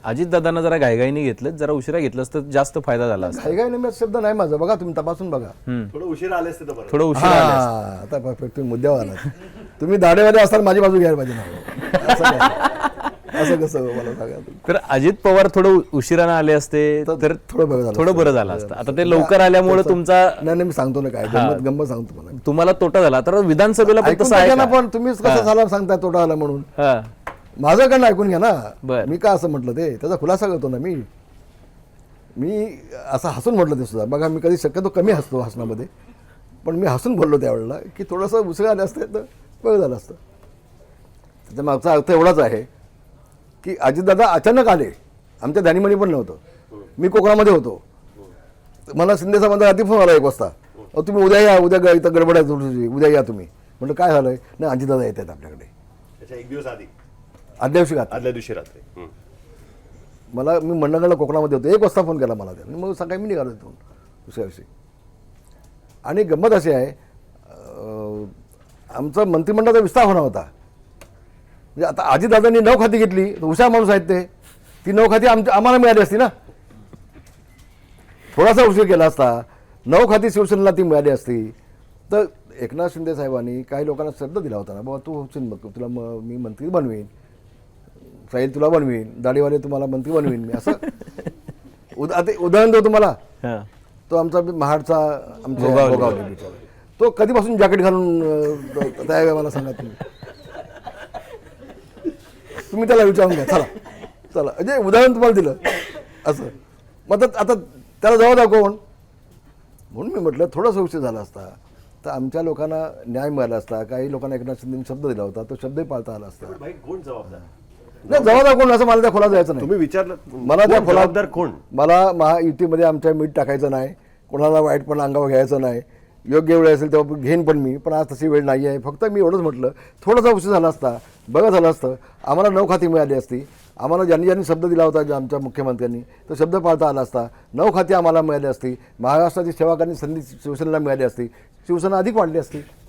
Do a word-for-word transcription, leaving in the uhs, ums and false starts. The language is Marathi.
अजितदादांना जरा घाईघाईने घेतलं, जरा उशिरा घेतलं असतं जास्त फायदा झाला असता. घाईघाईने मी शब्द नाही माझा, बघा तुम्ही तपासून बघा. थोडं उशीर आले असते तर बरं. थोडं उशिरा आले असते. हा, आता परफेक्ट तुम्ही मुद्द्यावर आलात. तुम्ही दाढेवाले असताना माझी बाजू घ्यायला पाहिजे ना. असं काय? असं कसं मला सांगा तुम्ही. तर अजित पवार थोडं उशिरानं आले असते तर थोडं बरं झालं थोडं बरं झालं असतं. आता ते लवकर आल्यामुळे तुमचा नाही नाही मी सांगतो ना काय गंमत गंमत सांगतो मला. तुम्हाला तोटा झाला. तर विधानसभेला पण ऐकून तसं आहे घ्या ना, का? पण तुम्हीच कसं झाला सांगताय तोटा आला म्हणून. हा. माझं कडनं ऐकून घ्या ना. बरं. मी का असं म्हटलं ते त्याचा खुलासा करतो ना मी. मी असं हसून म्हटलं ते सुद्धा. बघा मी कधी शक्यतो कमी हसतो हसण्यामध्ये, पण मी हसून बोललो त्यावेळेला की थोडंसं उशिरा आले असते तर बरं झालं असतं. त्याच्या मागचा अर्थ एवढाच आहे की अजितदादा अचानक आले. आमच्या ध्यानीमणी पण नव्हतं. मी कोकणामध्ये होतो. मला शिंदे साहेबांचा रात्री फोन आला एक वाजता, अहो तुम्ही उद्या या, उद्या ग- इथं गडबड आहे थोडीशी, उद्या या तुम्ही. म्हटलं काय झालंय? नाही अजितदादा येत आहेत आपल्याकडे त्याच्या एक दिवस आधी आदल्या दिवशी घात. आदल्या दिवशी रात्री. हम्म. मला मी मंडळगडला कोकणामध्ये होतो. एक वाजता फोन केला मला त्याने. मग सकाळी मी निघालो तिथून दुसऱ्या दिवशी. आणि गंमत अशी आहे, अं, आमचा मंत्रिमंडळाचा विस्तार होणार होता. म्हणजे आता अजितदादांनी नऊ खाती घेतली, हुशार माणूस आहेत ते. ती नऊ खाती आमच्या आम्हाला मिळाली असती ना. थोडासा उशीर केला असता, नऊ खाती शिवसेनेला ती मिळाली असती. तर एकनाथ शिंदे साहेबांनी काही लोकांना शब्द दिला होता ना, बाबा तू होशील मग तुला म मी मंत्री बनवीन, साहिल तुला बनवीन, दाढीवाले तुम्हाला मंत्री बनवीन मी. असं उदा आता उदाहरण देऊ तुम्हाला. हा. तो आमचा महाडचा आमच्या भोगावले बिचारा. तो कधीपासून जॅकेट घालून अं, तयार आहे मला सांगा तुम्ही. तुम्ही त्याला विचारून घ्या. चला चला म्हणजे उदाहरण तुम्हाला दिलं असं. मग आता आता त्याला जवळ दाखव कोण म्हणून मी म्हटलं थोडासा उशीर झाला असता तर आमच्या लोकांना न्याय मिळाला असता. काही लोकांना एकनाथ शिंदेने शब्द दिला होता, तो शब्दही पाळता आला असता. भाई कोण जबाबदार? नाही जवळ दाखव कोण असं मला त्या खोला जायचं नाही. तुम्ही विचारलं मला त्या कोण खोला जबाबदार कोण? मला महायुतीमध्ये आमच्या मीठ टाकायचं नाही, कोणाला वाईट पण अंगावर घ्यायचं नाही. योग्य वेळ असेल तेव्हा घेईन पण मी, पण आज तशी वेळ नाही आहे. फक्त मी एवढंच म्हटलं थोडासा उशीर झाला असता, बघा झालं असतं, आम्हाला नऊ खाती मिळाली असती. आम्हाला ज्यांनी ज्यांनी शब्द दिला होता ज्या आमच्या मुख्यमंत्र्यांनी तो शब्द पाळता आला असता. नऊ खाती आम्हाला मिळाली असती. महाराष्ट्राची सेवा करण्याची संधी शिवसेनेला मिळाली असती. शिवसेना अधिक वाढली असती.